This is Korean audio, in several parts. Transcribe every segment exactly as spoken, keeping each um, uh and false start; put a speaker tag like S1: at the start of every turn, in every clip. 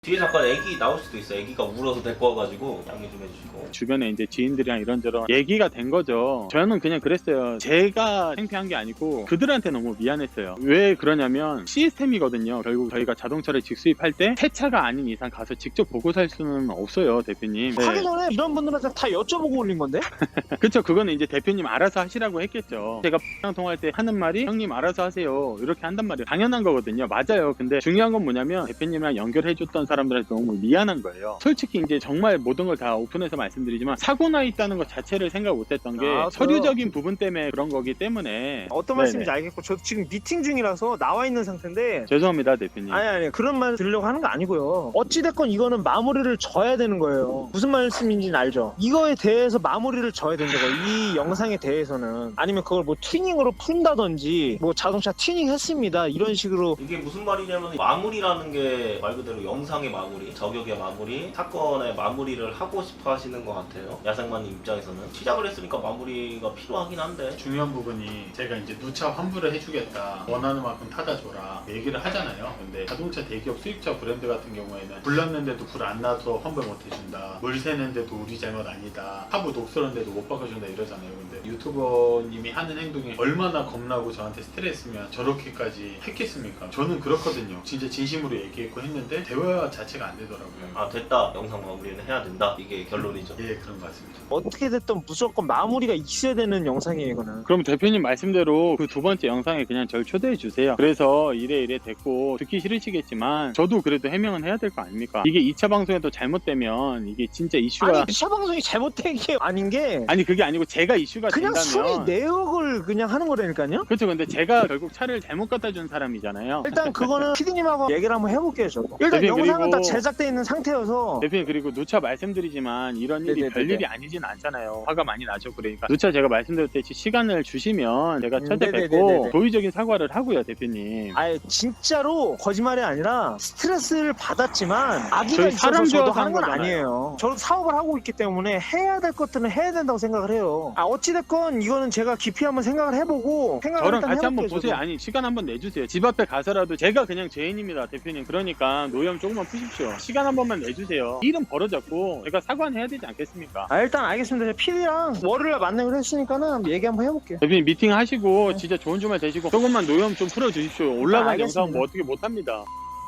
S1: 뒤에 잠깐 애기 나올 수도 있어. 애기가 울어서 데리고 와가지고 양해 좀 해주시고.
S2: 주변에 이제 지인들이랑 이런저런 얘기가 된 거죠. 저는 그냥 그랬어요. 제가 창피한 게 아니고 그들한테 너무 미안했어요. 왜 그러냐면 시스템이거든요. 결국 저희가 자동차를 직수입할 때 새 차가 아닌 이상 가서 직접 보고 살 수는 없어요, 대표님. 네.
S3: 하기 전에 이런 분들한테 다 여쭤보고 올린 건데?
S2: 그쵸, 그거는 이제 대표님 알아서 하시라고 했겠죠. 제가 X랑 통화할 때 하는 말이 형님 알아서 하세요 이렇게 한단 말이에요. 당연한 거거든요. 맞아요. 근데 중요한 건 뭐냐면 대표님이랑 연결해줬던 사람들한테 너무 미안한 거예요. 솔직히 이제 정말 모든 걸 다 오픈해서 말씀드리지만 사고 나 있다는 것 자체를 생각 못 했던 게
S3: 아,
S2: 서류적인 부분 때문에 그런 거기 때문에.
S3: 어떤
S2: 네네.
S3: 말씀인지 알겠고 저도 지금 미팅 중이라서 나와 있는 상태인데
S2: 죄송합니다, 대표님.
S3: 아니 아니 그런 말 들으려고 하는 거 아니고요. 어찌됐건 이거는 마무리를 져야 되는 거예요. 무슨 말씀인지는 알죠? 이거에 대해서 마무리를 져야 된다고. 이 영상에 대해서는 아니면 그걸 뭐 튜닝으로 푼다든지 뭐 자동차 튜닝 했습니다 이런 식으로.
S1: 이게 무슨 말이냐면 마무리라는 게 말 그대로 영상의 마무리, 저격의 마무리, 사건의 마무리를 하고 싶어 하시는 것 같아요. 야생마님 입장에서는 시작을 했으니까 마무리가 필요하긴 한데
S4: 중요한 부분이 제가 이제 누차 환불을 해주겠다, 원하는 만큼 타다 줘라 얘기를 하잖아요. 근데 자동차 대기업 수입차 브랜드 같은 경우에는 불 났는데도 불 안 나서 환불 못 해준다, 물 새는데도 우리 잘못 아니다, 하부 녹슬었는데도 못 바꿔준다 이러잖아요. 근데 유튜버님이 하는 행동이 얼마나 겁나고 저한테 스트레스면 저렇게까지 했겠습니까? 저는 그렇거든요. 진짜 진심으로 얘기했고 했는데 대화 자체가 안 되더라고요.
S1: 아 됐다, 영상 마무리는 해야 된다, 이게 결론이죠.
S4: 예, 그런 것 같습니다.
S3: 어떻게 됐든 무조건 마무리가 있어야 되는 영상이에요 이거는.
S2: 그럼 대표님 말씀대로 그 두 번째 영상에 그냥 절 초대해 주세요. 그래서 이래 이래 됐고 듣기 싫으시겠지만 저도 그래도 해명은 해야 될 거 아닙니까? 이게 이 차 방송에도 잘못되면 이게 진짜 이슈가
S3: 아니 차 방송이 잘못된 게 아닌 게
S2: 아니 그게 아니고 제가 이슈가
S3: 그냥 순위
S2: 된다면
S3: 내역을 그냥 하는 거라니까요.
S2: 그렇죠. 근데 제가 결국 차를 잘못 갖다 준 사람이잖아요.
S3: 일단 그거는 피디님하고 얘기를 한번 해볼게요. 저도. 일단
S2: 대표님,
S3: 영상은
S2: 그리고-
S3: 다 제작돼 있는 상태여서.
S2: 대표님 그리고 누차 말씀드리지만 이런 일이
S3: 네네네네.
S2: 별일이 아니진 않잖아요. 화가 많이 나죠. 그러니까 누차 제가 말씀드렸듯이 시간을 주시면 제가
S3: 음,
S2: 찾아뵙고
S3: 네네네네.
S2: 도의적인 사과를 하고요, 대표님.
S3: 아예 진짜로 거짓말이 아니라 스트레스를 받았지만 아기가
S2: 저희
S3: 있어서
S2: 사람
S3: 저도
S2: 좋아서
S3: 하는 건
S2: 하는 거잖아요.
S3: 아니에요. 저도 사업을 하고 있기 때문에 해야 될 것들은 해야 된다고 생각을 해요. 아 어찌됐건 이거는 제가 깊이 한번 생각을 해보고 생각을
S2: 저랑
S3: 일단
S2: 같이 한번
S3: 해볼게요,
S2: 보세요.
S3: 저도.
S2: 아니 시간 한번 내주세요. 집 앞에 가서라도 제가 그냥 죄인입니다, 대표님. 그러니까 노염 조금만 푸십시오. 시간 한 번만 내주세요. 일은 벌어졌고 제가 사과는 해야 되지 않겠습니까?
S3: 아 일단 알겠습니다. 피디랑 월요일날 만나기로 했으니까는 얘기 한번 해볼게요.
S2: 대표님 미팅 하시고
S3: 네.
S2: 진짜 좋은 주말 되시고 조금만 노염 좀 풀어주십시오. 올라간
S3: 아, 알겠습니다.
S2: 영상 뭐 어떻게 못합니다.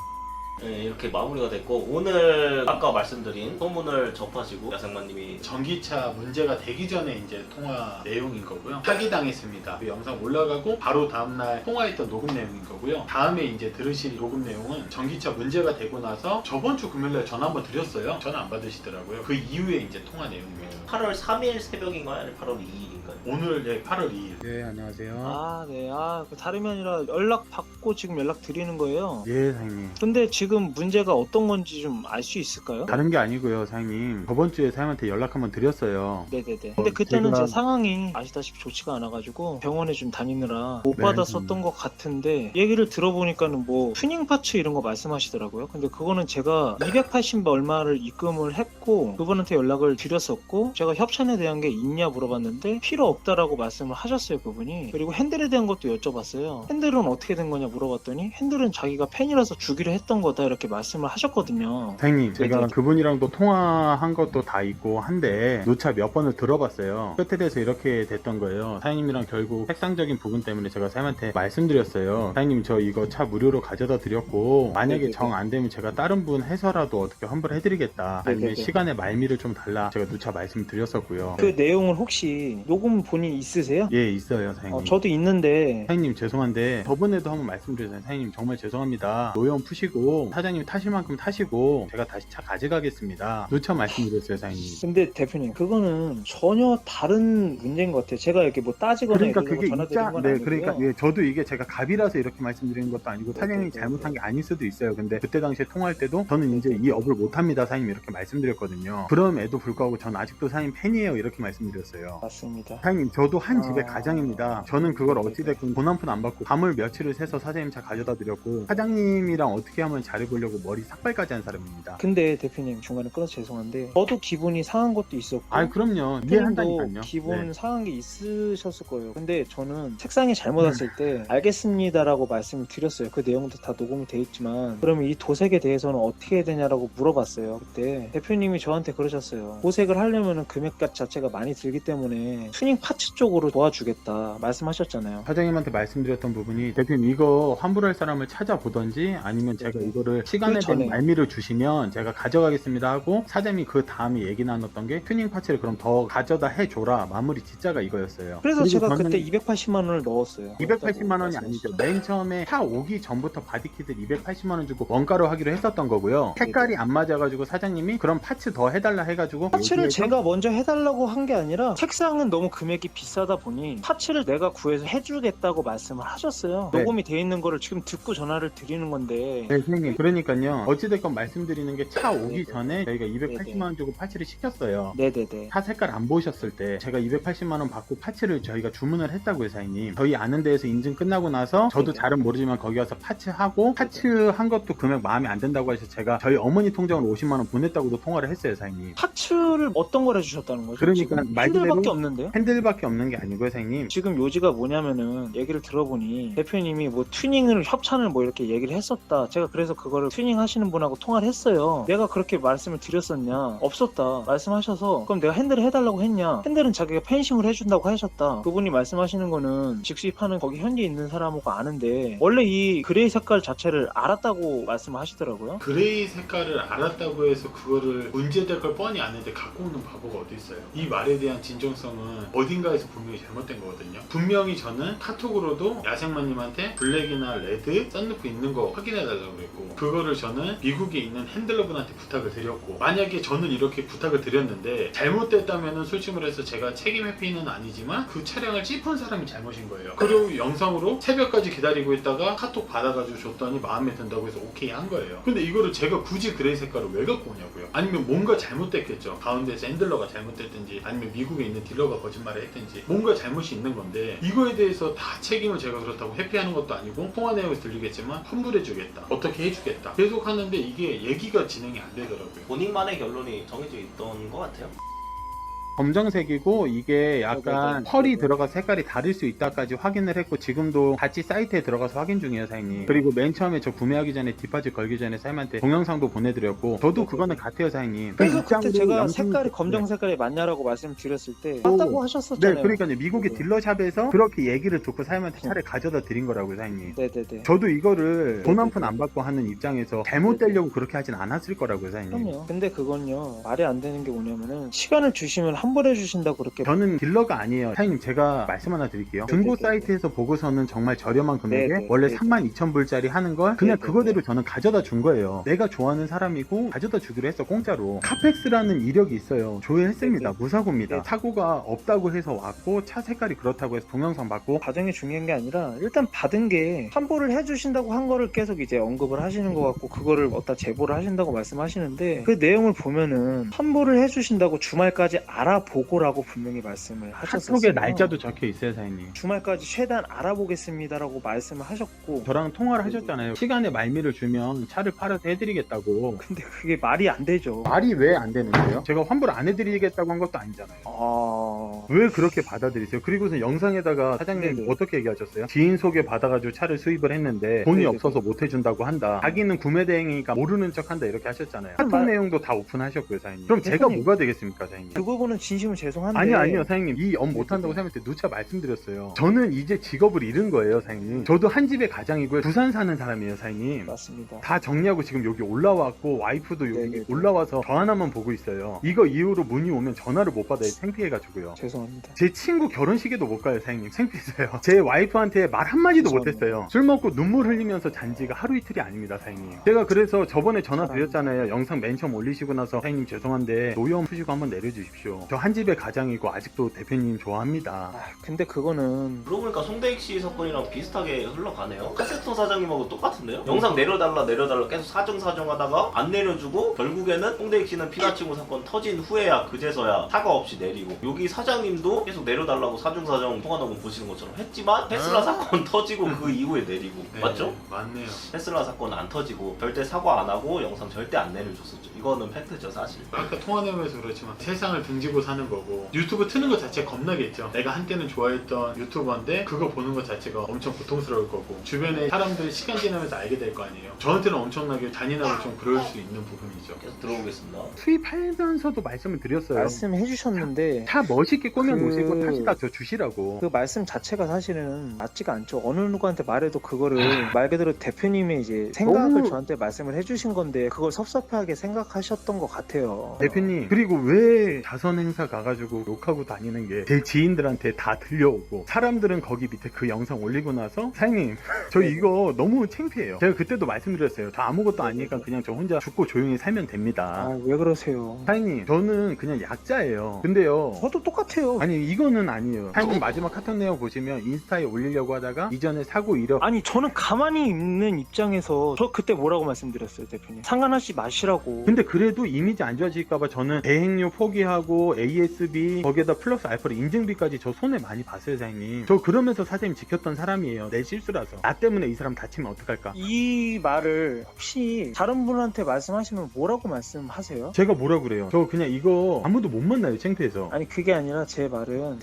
S1: 네, 이렇게 마무리가 됐고 오늘 아까 말씀드린 소문을 접하시고 야생마님이
S4: 전기차 문제가 되기 전에 이제 통화 내용인 거고요. 사기당했습니다. 그 영상 올라가고 바로 다음날 통화했던 녹음 내용인 거고요. 다음에 이제 들으실 녹음 내용은 전기차 문제가 되고 나서 저번 주 금요일날 전화 한번 드렸어요. 전화 안 받으시더라고요. 그 이후에 이제 통화 내용입니다.
S1: 팔월 삼일 새벽인가요? 아니면 팔월 이일인가요?
S4: 오늘 예, 팔월 이일.
S2: 네, 안녕하세요.
S3: 아 네. 아 그 다름이 아니라 연락 받고 지금 연락 드리는 거예요.
S2: 예, 사장님.
S3: 근데 지금 문제가 어떤 건지 좀 알 수 있을까요?
S2: 다른 게 아니고요, 사장님. 저번 주에 사장님한테 연락 한번 드렸어요.
S3: 네네네. 근데 그때는
S2: 제가-
S3: 제 상황이 아시다시피 좋지가 않아가지고 병원에 좀 다니느라 못
S2: 네,
S3: 받았었던 것 같은데 얘기를 들어보니까는 뭐 튜닝 파츠 이런 거 말씀하시더라고요. 근데 그거는 제가 이백팔십 얼마를 입금을 했고 그분한테 연락을 드렸었고 제가 협찬에 대한 게 있냐 물어봤는데 필요 없다라고 말씀을 하셨어요, 그분이. 그리고 핸들에 대한 것도 여쭤봤어요. 핸들은 어떻게 된 거냐 물어봤더니 핸들은 자기가 팬이라서 주기로 했던 거다 이렇게 말씀을 하셨거든요.
S2: 사장님, 제가
S3: 네네.
S2: 그분이랑도 통화한 것도 다 있고 한데 누차 몇 번을 들어봤어요. 끝에 대해서 이렇게 됐던 거예요. 사장님이랑 결국 색상적인 부분 때문에 제가 사장님한테 말씀드렸어요. 사장님, 저 이거 차 무료로 가져다 드렸고 만약에
S3: 네네네.
S2: 정 안 되면 제가 다른 분 해서라도 어떻게 환불해드리겠다. 아니면
S3: 네네네.
S2: 시간의 말미를 좀 달라. 제가 누차 말씀드렸었고요.
S3: 그 내용을 혹시 녹음 본인 있으세요?
S2: 예, 있어요, 사장님.
S3: 어, 저도 있는데
S2: 사장님 죄송한데 저번에도 한번 말씀드렸잖아요. 사장님 정말 죄송합니다. 노염 푸시고 사장님 타실 만큼 타시고 제가 다시 차 가져가겠습니다. 누차 말씀드렸어요, 사장님.
S3: 근데 대표님 그거는 전혀 다른 문제인 것 같아요. 제가 이렇게 뭐 따지거나
S2: 그러니까
S3: 이러려고
S2: 그게
S3: 전화드린
S2: 있자,
S3: 건
S2: 네,
S3: 아니고요.
S2: 그러니까 예, 저도 이게 제가 갑이라서 이렇게 말씀드리는 것도 아니고
S3: 네,
S2: 사장님이
S3: 네, 네,
S2: 잘못한
S3: 네.
S2: 게 아닐 수도 있어요. 근데 그때 당시에 통화할 때도 저는 이제 이 업을 못합니다, 사장님 이렇게 말씀드렸거든요. 그럼에도 불구하고 전 아직도 사장님 팬이에요 이렇게 말씀드렸어요.
S3: 맞습니다.
S2: 사장님 저도 한 집의
S3: 아.
S2: 가장입니다. 저는 그걸 어찌됐건 돈 한 푼 안 받고 밤을 며칠을 새서 사장님 차 가져다 드렸고 사장님이랑 어떻게 하면 잘
S5: 잘해보려고 머리 삭발까지 한 사람입니다.
S3: 근데 대표님 중간에 끊어서 죄송한데 저도 기분이 상한 것도 있었고
S5: 아 그럼요.
S3: 대표님도
S5: 이해한다니까요.
S3: 기분
S5: 네.
S3: 상한 게 있으셨을 거예요. 근데 저는 책상에 잘못 왔을
S5: 음.
S3: 때 알겠습니다라고 말씀을 드렸어요. 그 내용도 다 녹음이 돼 있지만 그러면 이 도색에 대해서는 어떻게 해야 되냐라고 물어봤어요. 그때 대표님이 저한테 그러셨어요. 도색을 하려면 금액값 자체가 많이 들기 때문에 튜닝 파츠 쪽으로 도와주겠다 말씀하셨잖아요.
S5: 사장님한테 말씀드렸던 부분이 대표님 이거 환불할 사람을 찾아보던지 아니면 제가
S3: 네네.
S5: 이거를 시간에
S3: 그 전에.
S5: 대한 말미를 주시면 제가 가져가겠습니다 하고 사장님이 그 다음에 얘기 나눴던 게 튜닝 파츠를 그럼 더 가져다 해줘라 마무리 진짜가 이거였어요.
S3: 그래서
S5: 그리고
S3: 제가
S5: 저는
S3: 그때 이백팔십만 원을 넣었어요.
S5: 이백팔십만 원이
S3: 말씀하셨어요.
S5: 아니죠. 맨 처음에 차 오기 전부터 바디킷을 이백팔십만 원 주고 원가로 하기로 했었던 거고요. 색깔이 안 맞아가지고 사장님이 그럼 파츠 더 해달라 해가지고
S3: 파츠를
S5: 얘기해서
S3: 제가 먼저 해달라고 한 게 아니라 책상은 너무 금액이 비싸다 보니 파츠를 내가 구해서 해주겠다고 말씀을 하셨어요.
S5: 네.
S3: 녹음이 돼 있는 거를 지금 듣고 전화를 드리는 건데
S5: 네, 선생님. 그러니까요. 어찌됐건 말씀드리는 게 차 오기
S3: 네네.
S5: 전에 저희가 이백팔십만 원 주고 파츠를 시켰어요.
S3: 네네네.
S5: 차 색깔 안 보셨을 때 제가 이백팔십만 원 받고 파츠를 저희가 주문을 했다고요, 사장님. 저희 아는 데에서 인증 끝나고 나서 저도
S3: 네네.
S5: 잘은 모르지만 거기 가서 파츠하고 파츠 한 것도 금액 마음에 안 든다고 해서 제가 저희 어머니 통장으로 오십만 원 보냈다고도 통화를 했어요, 사장님.
S3: 파츠를 어떤 걸 해주셨다는 거죠?
S5: 그러니까
S3: 지금
S5: 말 그대로
S3: 핸들밖에 없는데요?
S5: 핸들밖에 없는 게 아니고요, 사장님.
S3: 지금 요지가 뭐냐면은 얘기를 들어보니 대표님이 뭐 튜닝을 협찬을 뭐 이렇게 얘기를 했었다. 제가 그래서 그거를 튜닝 하시는 분하고 통화를 했어요. 내가 그렇게 말씀을 드렸었냐? 없었다. 말씀하셔서 그럼 내가 핸들을 해달라고 했냐? 핸들은 자기가 펜싱을 해준다고 하셨다. 그분이 말씀하시는 거는 직수입하는 거기 현지에 있는 사람하고 아는데 원래 이 그레이 색깔 자체를 알았다고 말씀하시더라고요.
S4: 그레이 색깔을 알았다고 해서 그거를 문제될 걸 뻔히 아는데 갖고 오는 바보가 어디 있어요. 이 말에 대한 진정성은 어딘가에서 분명히 잘못된 거거든요. 분명히 저는 카톡으로도 야생마님한테 블랙이나 레드 썬루프 있는 거 확인해달라고 그랬고 그거를 저는 미국에 있는 핸들러분한테 부탁을 드렸고 만약에 저는 이렇게 부탁을 드렸는데 잘못됐다면 솔직히 말해서 제가 책임 회피는 아니지만 그 차량을 찝은 사람이 잘못인 거예요. 그리고 영상으로 새벽까지 기다리고 있다가 카톡 받아가지고 줬더니 마음에 든다고 해서 오케이 한 거예요. 근데 이거를 제가 굳이 그레이 색깔을 왜 갖고 오냐고요. 아니면 뭔가 잘못됐겠죠. 가운데서 핸들러가 잘못됐든지 아니면 미국에 있는 딜러가 거짓말을 했든지 뭔가 잘못이 있는 건데 이거에 대해서 다 책임을 제가 그렇다고 회피하는 것도 아니고 통화 내용에서 들리겠지만 환불해주겠다 어떻게 해주겠다 계속 하는데 이게 얘기가 진행이 안 되더라고요.
S1: 본인만의 결론이 정해져 있던 것 같아요.
S5: 검정색이고 이게 약간
S3: 네네네.
S5: 펄이 들어가서 색깔이 다를 수 있다까지 확인을 했고 지금도 같이 사이트에 들어가서 확인 중이에요, 사장님. 그리고 맨 처음에 저 구매하기 전에 디파짓 걸기 전에 사장님한테 동영상도 보내드렸고 저도 그거는 같아요, 사장님.
S3: 그래서 그때
S5: 입장으로
S3: 제가
S5: 영상-
S3: 색깔이
S5: 네.
S3: 검정 색깔이 맞냐라고 말씀을 드렸을 때 맞다고 하셨었잖아요.
S5: 네, 그러니까요. 미국의
S3: 네.
S5: 딜러샵에서 그렇게 얘기를 듣고 사장님한테 차를 가져다 드린 거라고요, 사장님.
S3: 네네네.
S5: 저도 이거를 돈 한 푼 안 받고 하는 입장에서 잘못되려고 그렇게 하진 않았을 거라고요, 사장님.
S3: 그럼요. 근데 그건요 말이 안 되는 게 뭐냐면은 시간을 주시면 환불해 주신다고 그렇게
S5: 저는 딜러가 아니에요. 사장님 제가 말씀 하나 드릴게요. 중고
S3: 네네네.
S5: 사이트에서 보고서는 정말 저렴한 금액에
S3: 네네.
S5: 원래
S3: 네네.
S5: 삼만 이천 불짜리 하는 걸 그냥
S3: 네네.
S5: 그거대로 저는 가져다 준 거예요. 내가 좋아하는 사람이고 가져다 주기로 했어, 공짜로. 카펙스라는 이력이 있어요. 조회했습니다.
S3: 네네.
S5: 무사고입니다.
S3: 네네.
S5: 사고가 없다고 해서 왔고 차 색깔이 그렇다고 해서 동영상 받고
S3: 과정이 중요한 게 아니라 일단 받은 게 환불을 해주신다고 한 거를 계속 이제 언급을 하시는 것 같고 그거를 어디다 제보를 하신다고 말씀하시는데 그 내용을 보면은 환불을 해주신다고 주말까지 알아보고라고 분명히 말씀을 하셨었어요.
S5: 카톡에 날짜도 적혀 있어요, 사장님.
S3: 주말까지 최대한 알아보겠습니다라고 말씀을 하셨고
S5: 저랑 통화를 하셨잖아요. 시간에 말미를 주면 차를 팔아서 해드리겠다고.
S3: 근데 그게 말이 안 되죠.
S5: 말이 왜 안 되는데요? 제가 환불 안 해드리겠다고 한 것도 아니잖아요.
S3: 아...
S5: 왜 그렇게 받아들이세요? 그리고서 영상에다가 사장님
S3: 네네.
S5: 어떻게 얘기하셨어요? 지인 소개 받아가지고 차를 수입을 했는데 돈이
S3: 네네.
S5: 없어서 못 해준다고 한다. 자기는 구매 대행이니까 모르는 척 한다 이렇게 하셨잖아요. 카톡
S3: 말-
S5: 내용도 다 오픈하셨고요, 사장님. 그럼 제가
S3: 대표님.
S5: 뭐가 되겠습니까, 사장님?
S3: 그 부분은 진심으로 죄송한데
S5: 아니요, 아니요, 사장님. 이 업 못한다고 사장님한테 누차 말씀드렸어요. 저는 이제 직업을 잃은 거예요, 사장님. 저도 한 집의 가장이고요. 부산 사는 사람이에요, 사장님.
S3: 맞습니다.
S5: 다 정리하고 지금 여기 올라왔고 와이프도 여기
S3: 네네네.
S5: 올라와서 저 하나만 보고 있어요. 이거 이후로 문의 오면 전화를 못 받아요. 창피해가지고요.
S3: 죄송합니다.
S5: 제 친구 결혼식에도 못 가요, 사장님. 창피해서요. 제 와이프한테 말 한마디도
S3: 죄송합니다.
S5: 못했어요. 술 먹고 눈물 흘리면서 잔 지가 하루 이틀이 아닙니다, 사장님. 제가 그래서 저번에 전화 드렸잖아요. 영상 맨 처음 올리시고 나서 사장님 죄송한데 노여움 푸시고 한번 내려주십시오. 저 한 집의 가장이고 아직도 대표님 좋아합니다.
S3: 아, 근데 그거는
S1: 그러고 보니까 송대익 씨 사건이랑 비슷하게 흘러가네요. 카세터 사장님하고 똑같은데요? 영상 내려달라 내려달라 계속 사정사정 하다가 안 내려주고 결국에는 송대익 씨는 피나치고 사건 터진 후에야 그제서야 사과 없이 내리고, 여기 사장님도 계속 내려달라고 사중사정 통화녹음 보시는 것처럼 했지만 테슬라 사건 터지고 그 이후에 내리고.
S4: 네,
S1: 맞죠?
S4: 맞네요.
S1: 테슬라 사건은 안 터지고 절대 사과 안 하고 영상 절대 안 내려줬었죠. 이거는 팩트죠 사실.
S4: 아까 통화 내용에서 그렇지만 세상을 등지고 사는 거고, 유튜브 트는 것 자체 겁나겠죠. 내가 한때는 좋아했던 유튜버인데 그거 보는 것 자체가 엄청 고통스러울 거고, 주변에 사람들이 시간 지나면서 알게 될 거 아니에요. 저한테는 엄청나게 잔인하고 좀 그럴 수 있는 부분이죠.
S1: 계속 들어보겠습니다.
S5: 수입하면서도 말씀을 드렸어요.
S3: 말씀해 주셨는데
S5: 차 멋있게 꾸며
S3: 그-
S5: 놓으시고 타시다 저 주시라고.
S3: 그 말씀 자체가 사실은 맞지가 않죠. 어느 누구한테 말해도 그거를 말 그대로 대표님의 이제 생각을
S5: 너무-
S3: 저한테 말씀을 해주신 건데 그걸 섭섭하게 생각하셨던 것 같아요.
S5: 대표님, 그리고 왜 자선 행사 가가지고 욕하고 다니는 게 제 지인들한테 다 들려오고, 사람들은 거기 밑에 그 영상 올리고 나서 사장님 저 이거 너무 창피해요. 제가 그때도 말씀드렸어요. 저 아무것도 아니니까 그냥 저 혼자 죽고 조용히 살면 됩니다.
S3: 아, 왜 그러세요?
S5: 사장님, 저는 그냥 약자예요. 근데요,
S3: 저도 똑같아요.
S5: 아니 이거는 아니에요. 사장님 마지막 카톡 내용 보시면 인스타에 올리려고 하다가 이전에 사고 이력
S3: 아니 저는 가만히 있는 입장에서 저 그때 뭐라고 말씀드렸어요, 대표님? 상관하지 마시라고.
S5: 근데 그래도 이미지 안 좋아질까봐 저는 대행료 포기하고 에이에스비 거기에다 플러스 알파로 인증비까지 저 손해 많이 봤어요, 사장님. 저 그러면서 사장님 지켰던 사람이에요. 내 실수라서. 나 때문에 이 사람 다치면 어떡할까?
S3: 이 말을 혹시 다른 분한테 말씀하시면 뭐라고 말씀하세요?
S5: 제가 뭐라 그래요? 저 그냥 이거 아무도 못 만나요, 창피해서.
S3: 아니 그게 아니라 제 말은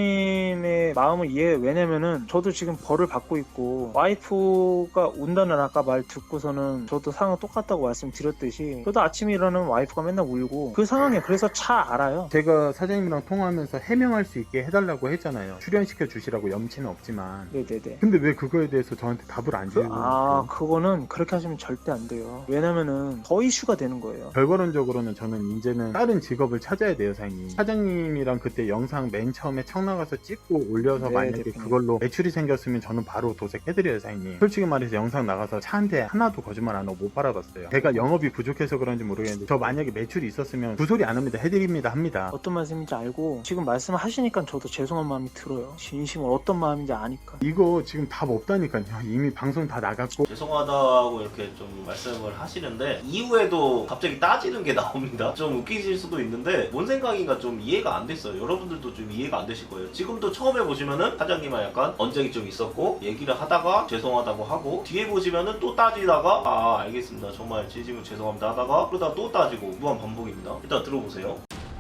S3: 대표님의 마음을 이해해요. 왜냐면은 저도 지금 벌을 받고 있고 와이프가 운다는 아까 말 듣고서는 저도 상황 똑같다고 말씀드렸듯이 저도 아침에 일어나면 와이프가 맨날 울고 그 상황에 그래서 차 알아요.
S5: 제가 사장님이랑 통화하면서 해명할 수 있게 해달라고 했잖아요. 출연시켜 주시라고, 염치는 없지만.
S3: 네네네.
S5: 근데 왜 그거에 대해서 저한테 답을 안
S3: 그,
S5: 주고
S3: 아 그거는 그렇게 하시면 절대 안 돼요. 왜냐면은 더 이슈가 되는 거예요.
S5: 결과론적으로는 저는 이제는 다른 직업을 찾아야 돼요, 사장님. 사장님이랑 그때 영상 맨 처음에 청 나가서 찍고 올려서
S3: 네,
S5: 만약에
S3: 대표님.
S5: 그걸로 매출이 생겼으면 저는 바로 도색해드려요, 사장님. 솔직히 말해서 영상 나가서 차 한 대 하나도 거짓말 안 하고 못 팔아봤어요. 제가 영업이 부족해서 그런지 모르겠는데 저 만약에 매출이 있었으면 그 소리 안 합니다. 해드립니다 합니다.
S3: 어떤 말씀인지 알고 지금 말씀하시니까 저도 죄송한 마음이 들어요. 진심으로 어떤 마음인지 아니까.
S5: 이거 지금 답 없다니까요. 이미 방송 다 나갔고.
S1: 죄송하다고 이렇게 좀 말씀을 하시는데 이후에도 갑자기 따지는 게 나옵니다. 좀 웃기실 수도 있는데 뭔 생각인가 좀 이해가 안 됐어요. 여러분들도 좀 이해가 안 되실 거예요. 지금도 처음에 보시면은 사장님과 약간 언쟁이 좀 있었고 얘기를 하다가 죄송하다고 하고, 뒤에 보시면은 또 따지다가 아 알겠습니다 정말 진심으로 죄송합니다 하다가 그러다 또 따지고 무한 반복입니다. 일단 들어보세요.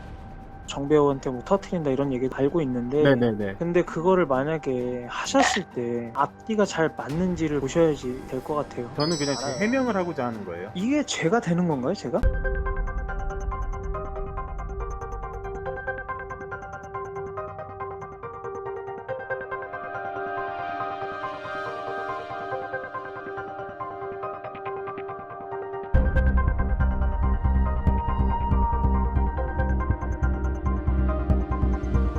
S3: 정배우한테 뭐 터트린다 이런 얘기 알고 있는데
S5: 네네네.
S3: 근데 그거를 만약에 하셨을 때 앞뒤가 잘 맞는지를 보셔야지 될 것 같아요.
S5: 저는 그냥 제 해명을 하고자 하는 거예요.
S3: 이게 죄가 되는 건가요, 제가?